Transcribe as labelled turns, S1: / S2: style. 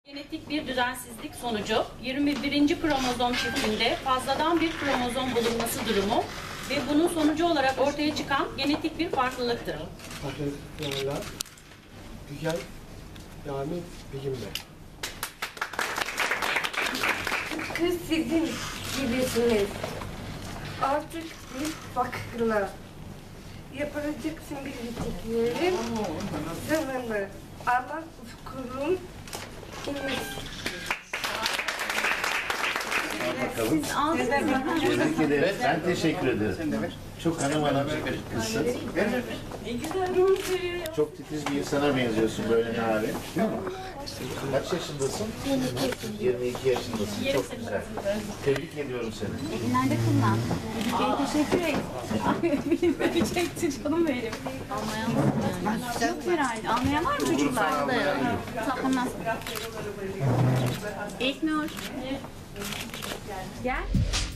S1: Genetik bir düzensizlik sonucu 21. kromozom çiftinde fazladan bir kromozom bulunması durumu ve bunun sonucu olarak ortaya çıkan genetik bir farklılıktır.
S2: Arkadaşlarla güzel yani bilimle.
S3: Kız sizin gibisiniz. Artık bir farklı. Yapacaksın bildiklerim zamanı. Ama ufkurum temiz.
S4: Bakalım. Tebrik ederim. Ben teşekkür ederim. Çok hanım kızsın. Çok titiz bir insana benziyorsun böyle narin. Kaç yaşındasın? 22 yaşındasın. Çok güzel. Tebrik ediyorum seni.
S5: Nerede kullan? Teşekkür ederim. Beni çekti canım benim. Anlayamam. Yok herhalde. Anlayan var mı çocuklar? Tamam. İlknur. Gel.